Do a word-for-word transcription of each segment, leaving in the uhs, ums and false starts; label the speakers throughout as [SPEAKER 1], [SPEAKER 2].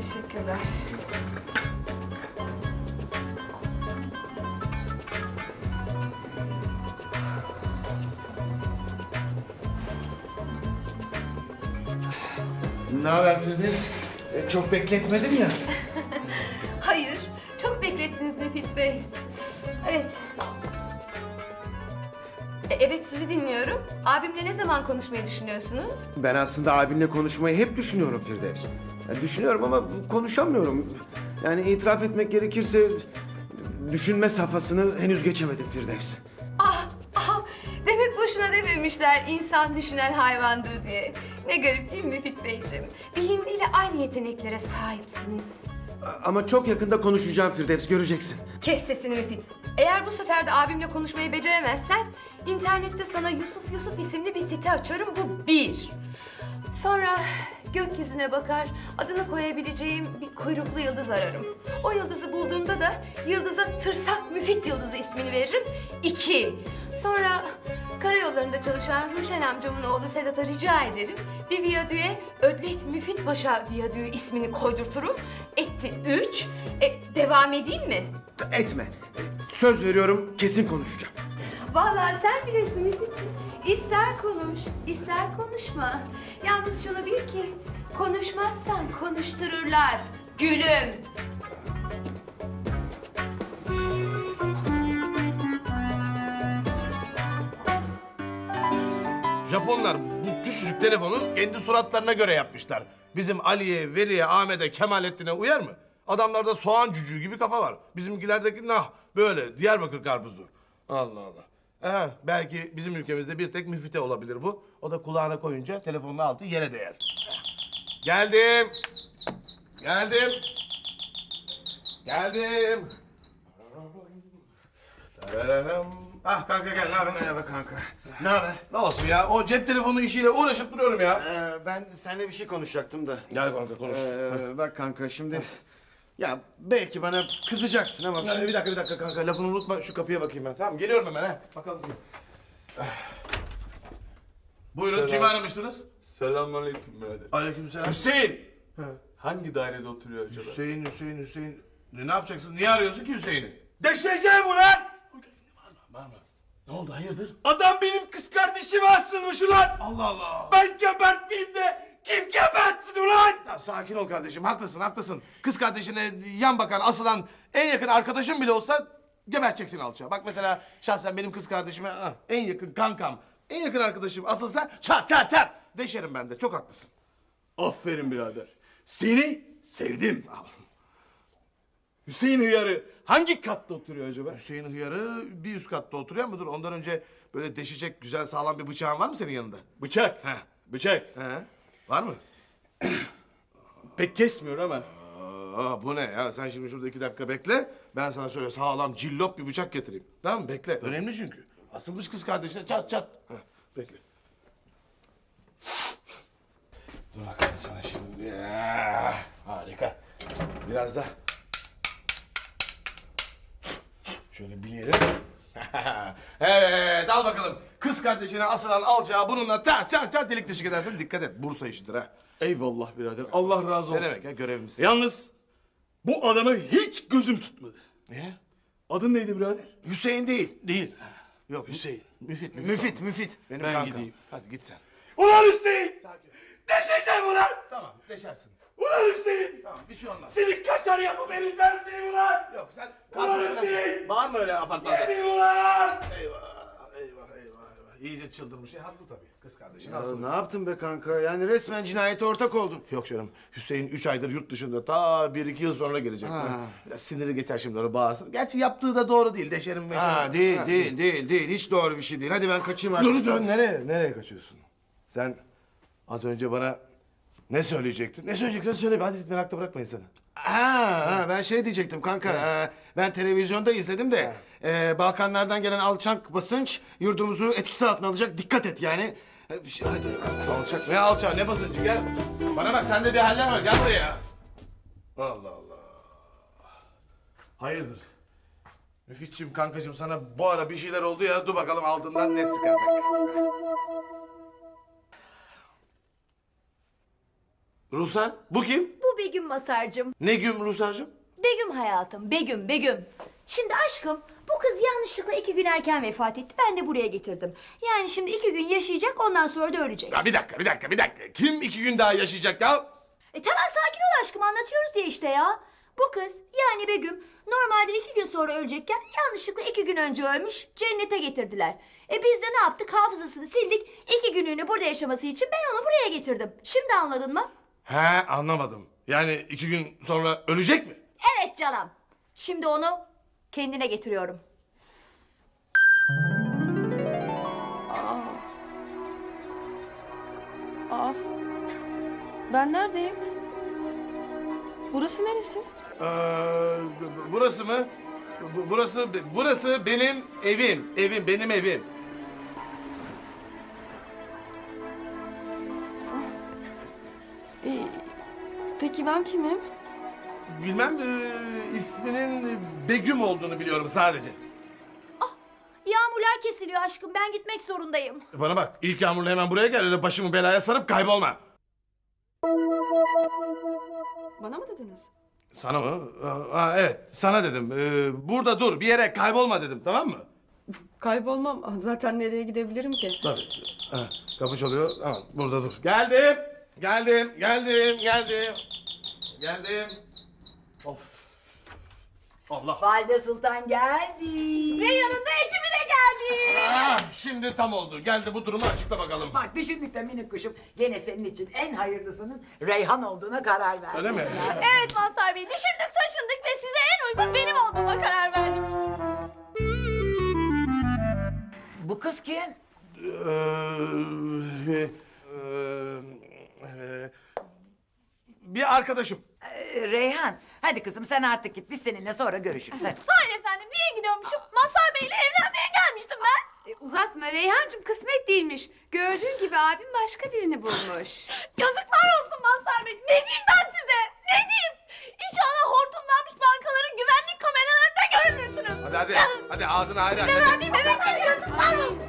[SPEAKER 1] Teşekkürler.
[SPEAKER 2] Ne haber Firdevs? E, çok bekletmedim ya.
[SPEAKER 1] Hayır, çok beklettiniz Müfit Bey. Evet. E, evet, sizi dinliyorum. Abimle ne zaman konuşmayı düşünüyorsunuz?
[SPEAKER 2] Ben aslında abinle konuşmayı hep düşünüyorum Firdevs. Ya, düşünüyorum ama konuşamıyorum. Yani itiraf etmek gerekirse düşünme safhasını henüz geçemedim Firdevs.
[SPEAKER 1] Ah, ah, demek boşuna dememişler insan düşünen hayvandır diye. Ne garip değil mi Müfit Beyciğim? Bir hindi ile aynı yeteneklere sahipsiniz.
[SPEAKER 2] A- Ama çok yakında konuşacağım Firdevs, göreceksin.
[SPEAKER 1] Kes sesini Müfit. Eğer bu sefer de abimle konuşmayı beceremezsen... ...internette sana Yusuf Yusuf isimli bir site açarım, bu bir. Sonra gökyüzüne bakar, adını koyabileceğim bir kuyruklu yıldız ararım. O yıldızı bulduğumda da yıldıza Tırsak Müfit Yıldızı ismini veririm, iki. Sonra karayollarında çalışan Ruşen amcamın oğlu Sedat'a rica ederim. Bir viyadüğe Ödlek Müfit Paşa Viyadüğü ismini koydurturum. Etti üç. E, devam edeyim mi?
[SPEAKER 2] Etme. Söz veriyorum, kesin konuşacağım.
[SPEAKER 1] Vallahi sen bilirsin Müfit'ciğim. İster konuş, ister konuşma. Yalnız şunu bil ki, konuşmazsan konuştururlar. Gülüm.
[SPEAKER 3] Japonlar bu küçücük telefonu kendi suratlarına göre yapmışlar. Bizim Ali'ye, Veli'ye, Ahmet'e, Kemalettin'e uyar mı? Adamlarda soğan cücüğü gibi kafa var. Bizimkilerdeki nah böyle Diyarbakır karpuzu. Allah Allah. Ee, belki bizim ülkemizde bir tek müfite olabilir bu. O da kulağına koyunca telefonun altı yere değer. Geldim. Geldim. Geldim. Tararam. Ah kanka gel, ne haber?
[SPEAKER 2] Merhaba kanka. Ne haber?
[SPEAKER 3] Ne olsun ya, o cep telefonu işiyle uğraşıp duruyorum ya.
[SPEAKER 2] Ee, ben seninle bir şey konuşacaktım da.
[SPEAKER 3] Gel kanka konuş.
[SPEAKER 2] Ee, bak kanka şimdi... Ya belki bana kızacaksın ama...
[SPEAKER 3] Ya,
[SPEAKER 2] şimdi...
[SPEAKER 3] bir dakika bir dakika kanka, lafını unutma, şu kapıya bakayım ben. Tamam, geliyorum hemen ha. Bakalım. Buyurun,
[SPEAKER 4] Selam.
[SPEAKER 3] kimi aramıştınız?
[SPEAKER 4] Selamünaleyküm birader.
[SPEAKER 3] Aleykümselam.
[SPEAKER 4] Hüseyin!
[SPEAKER 3] Ha.
[SPEAKER 4] Hangi dairede oturuyor acaba?
[SPEAKER 3] Hüseyin, Hüseyin, Hüseyin. Ne, ne yapacaksın? Niye arıyorsun ki Hüseyin'i?
[SPEAKER 4] Deşeceğim ulan!
[SPEAKER 3] Var mı? Ne oldu, hayırdır?
[SPEAKER 4] Adam benim kız kardeşime asılmış ulan!
[SPEAKER 3] Allah Allah!
[SPEAKER 4] Ben gebertmeyeyim de kim gebertsin ulan?
[SPEAKER 3] Tamam, sakin ol kardeşim, haklısın, haklısın. Kız kardeşine yan bakan, asılan en yakın arkadaşın bile olsa geberteceksin alçağı. Bak mesela şahsen benim kız kardeşime ah, en yakın kankam, en yakın arkadaşım asılsa çat çat çat deşerim ben de, çok haklısın.
[SPEAKER 4] Aferin birader. Seni sevdim. Hüseyin Hıyarı hangi katta oturuyor acaba?
[SPEAKER 3] Hüseyin Hıyarı bir üst katta oturuyor mudur? Ondan önce böyle deşecek güzel sağlam bir bıçağın var mı senin yanında?
[SPEAKER 4] Bıçak.
[SPEAKER 3] He.
[SPEAKER 4] Bıçak.
[SPEAKER 3] He? Var mı?
[SPEAKER 4] Pek kesmiyor ama.
[SPEAKER 3] Aa, bu ne ya? Sen şimdi şurada iki dakika bekle. Ben sana şöyle sağlam cillop bir bıçak getireyim. Tamam mı? Bekle. Önemli çünkü. Asılmış kız kardeşine çat çat. Heh, bekle. Dur bakalım sana şimdi. Ya, harika. Biraz da şöyle bileyelim. Evet, al bakalım. Kız kardeşine asılan alçağı bununla çat çat çat delik deşik edersin. Dikkat et, Bursa işidir ha.
[SPEAKER 4] Eyvallah birader. Allah razı
[SPEAKER 3] Ne
[SPEAKER 4] olsun.
[SPEAKER 3] demek ya, görevimiz.
[SPEAKER 4] Yalnız bu adamı hiç gözüm tutmadı.
[SPEAKER 3] Niye?
[SPEAKER 4] Adın neydi birader?
[SPEAKER 3] Hüseyin değil.
[SPEAKER 4] Değil.
[SPEAKER 3] Yok
[SPEAKER 4] Hüseyin.
[SPEAKER 3] Müfit, müfit.
[SPEAKER 2] Müfit, müfit.
[SPEAKER 3] Benim
[SPEAKER 4] Ben
[SPEAKER 3] kankam.
[SPEAKER 4] gideyim.
[SPEAKER 3] Hadi git sen.
[SPEAKER 4] Ulan Hüseyin!
[SPEAKER 3] Sakin.
[SPEAKER 4] Deşeceğim ulan!
[SPEAKER 3] Tamam, deşersin.
[SPEAKER 4] Ulan Hüseyin!
[SPEAKER 3] Tamam, bir şey olmaz.
[SPEAKER 4] Senin kaşar yapı verilmez miyim ulan?
[SPEAKER 3] Yok, sen
[SPEAKER 4] Ulan
[SPEAKER 3] kalk.
[SPEAKER 4] Hüseyin!
[SPEAKER 3] Bağırma öyle apartmanda.
[SPEAKER 4] Yemin ulan!
[SPEAKER 3] Eyvah, eyvah, eyvah, eyvah. İyice çıldırmış. E, haklı tabii. Kız kardeşin
[SPEAKER 2] Ya
[SPEAKER 3] asıl.
[SPEAKER 2] ne yaptın be kanka? Yani resmen cinayete ortak oldun.
[SPEAKER 3] Yok canım. Hüseyin üç aydır yurt dışında. Ta bir iki yıl sonra gelecek.
[SPEAKER 2] Ha.
[SPEAKER 3] Biraz siniri geçer şimdi, onu bağırsın. Gerçi yaptığı da doğru değil. Deşerim meşerim.
[SPEAKER 2] Ha değil,
[SPEAKER 3] Ha,
[SPEAKER 2] değil, değil, değil. Hiç doğru bir şey değil. Hadi ben kaçayım artık.
[SPEAKER 3] Dur dön, nereye? Nereye kaçıyorsun? Sen az önce bana ne söyleyecektin? Ne söyleyeceksen söyle. Hadi merakta bırakmayın seni.
[SPEAKER 2] Ha, ha, ben şey diyecektim kanka. e, ben televizyonda izledim de e, Balkanlardan gelen alçak basınç yurdumuzu etkisi altına alacak. Dikkat et yani. E, bir şey- hadi.
[SPEAKER 3] Alçak ne alçağı ne basıncı, gel. Bana bak, sende bir haller var, gel buraya. Allah Allah. Hayırdır? Müfitçim, kankacığım, sana bu ara bir şeyler oldu ya, dur bakalım altından ne çıkacak. Ruhsar? Bu kim?
[SPEAKER 5] Bu Begüm Masar'cığım.
[SPEAKER 3] Ne gün Ruhsar'cığım?
[SPEAKER 5] Begüm hayatım, Begüm, Begüm. Şimdi aşkım, bu kız yanlışlıkla iki gün erken vefat etti. Ben de buraya getirdim. Yani şimdi iki gün yaşayacak, ondan sonra da ölecek.
[SPEAKER 3] Ya bir dakika, bir dakika, bir dakika. Kim iki gün daha yaşayacak ya?
[SPEAKER 5] E tamam sakin ol aşkım, anlatıyoruz ya işte ya. Bu kız, yani Begüm, normalde iki gün sonra ölecekken yanlışlıkla iki gün önce ölmüş, cennete getirdiler. E biz de ne yaptık? Hafızasını sildik. İki günlüğünü burada yaşaması için ben onu buraya getirdim. Şimdi anladın mı?
[SPEAKER 3] He, anlamadım. Yani iki gün sonra ölecek mi?
[SPEAKER 5] Evet canım. Şimdi onu kendine getiriyorum.
[SPEAKER 6] Aa. Ben neredeyim? Burası neresi?
[SPEAKER 3] Ee, bu- burası mı? Bu- Burası, burası benim evim. Evim, benim evim.
[SPEAKER 6] Ee, peki ben kimim?
[SPEAKER 3] Bilmem, e, isminin Begüm olduğunu biliyorum sadece.
[SPEAKER 5] Yağmurlar kesiliyor aşkım. Ben gitmek zorundayım.
[SPEAKER 3] Bana bak, ilk yağmurla hemen buraya gel. Öyle başımı belaya sarıp kaybolma.
[SPEAKER 6] Bana mı dediniz?
[SPEAKER 3] Sana mı? Aa, evet, sana dedim. Ee, burada dur, bir yere kaybolma dedim, tamam mı?
[SPEAKER 6] Kaybolmam. Zaten nereye gidebilirim ki?
[SPEAKER 3] Tabii. Ha, kapı çalıyor. Tamam, burada dur. Geldim, geldim, geldim, geldim. Geldim. Of. Allah.
[SPEAKER 7] Valide Sultan geldi.
[SPEAKER 5] Ve yanında ekibi de geldi.
[SPEAKER 3] Ah, şimdi tam oldu. Geldi, bu durumu açıkla bakalım.
[SPEAKER 7] Bak düşündük de minik kuşum gene senin için en hayırlısının Reyhan olduğuna karar verdik.
[SPEAKER 3] Öyle mi?
[SPEAKER 5] Evet Mazhar Bey, düşündük taşındık ve size en uygun benim olduğuma karar verdik.
[SPEAKER 7] Bu kız kim?
[SPEAKER 3] Ee, e, e, bir arkadaşım.
[SPEAKER 7] Ee, Reyhan. Hadi kızım sen artık git. Biz seninle sonra görüşürüz. Hadi.
[SPEAKER 5] Hayır efendim, niye gidiyormuşum? Mazhar Bey'le evlenmeye gelmiştim ben.
[SPEAKER 1] E, uzatma Reyhancığım, kısmet değilmiş. Gördüğün gibi abim başka birini bulmuş.
[SPEAKER 5] Yazıklar olsun Mazhar Bey. Ne diyeyim ben size? Ne diyeyim? İnşallah hortumlanmış bankaların güvenlik kameralarında görünürsünüz.
[SPEAKER 3] Hadi hadi, hadi ağzını hayır aç.
[SPEAKER 5] Ben değil, bebek gibi yazıklar olsun.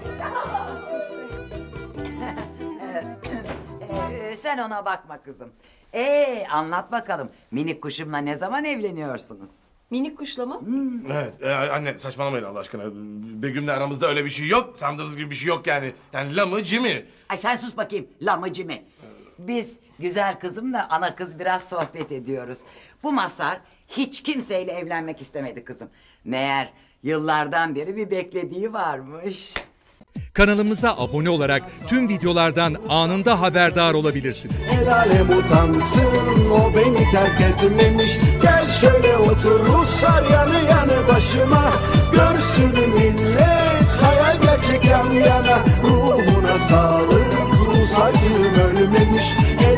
[SPEAKER 7] Ee, sen ona bakma kızım. Ee anlat bakalım. Minik kuşumla ne zaman evleniyorsunuz?
[SPEAKER 6] Minik kuşla mı?
[SPEAKER 3] Evet, e, anne saçmalamayın Allah aşkına. Begüm'le aramızda öyle bir şey yok. Sandığınız gibi bir şey yok yani. Yani la mı, ci mi?
[SPEAKER 7] Ay sen sus bakayım lamıcı mı? Biz güzel kızımla ana kız biraz sohbet ediyoruz. Bu Mazhar hiç kimseyle evlenmek istemedi kızım. Meğer yıllardan beri bir beklediği varmış.
[SPEAKER 8] Kanalımıza abone olarak tüm videolardan anında haberdar olabilirsiniz.
[SPEAKER 9] El alem utansın, o beni terk etmemiş. Gel şöyle otur Ruslar yanı yanı başıma. Görsün millet hayal gerçek yan yana. Ruhuna sağlık, Rus acım ölmemiş.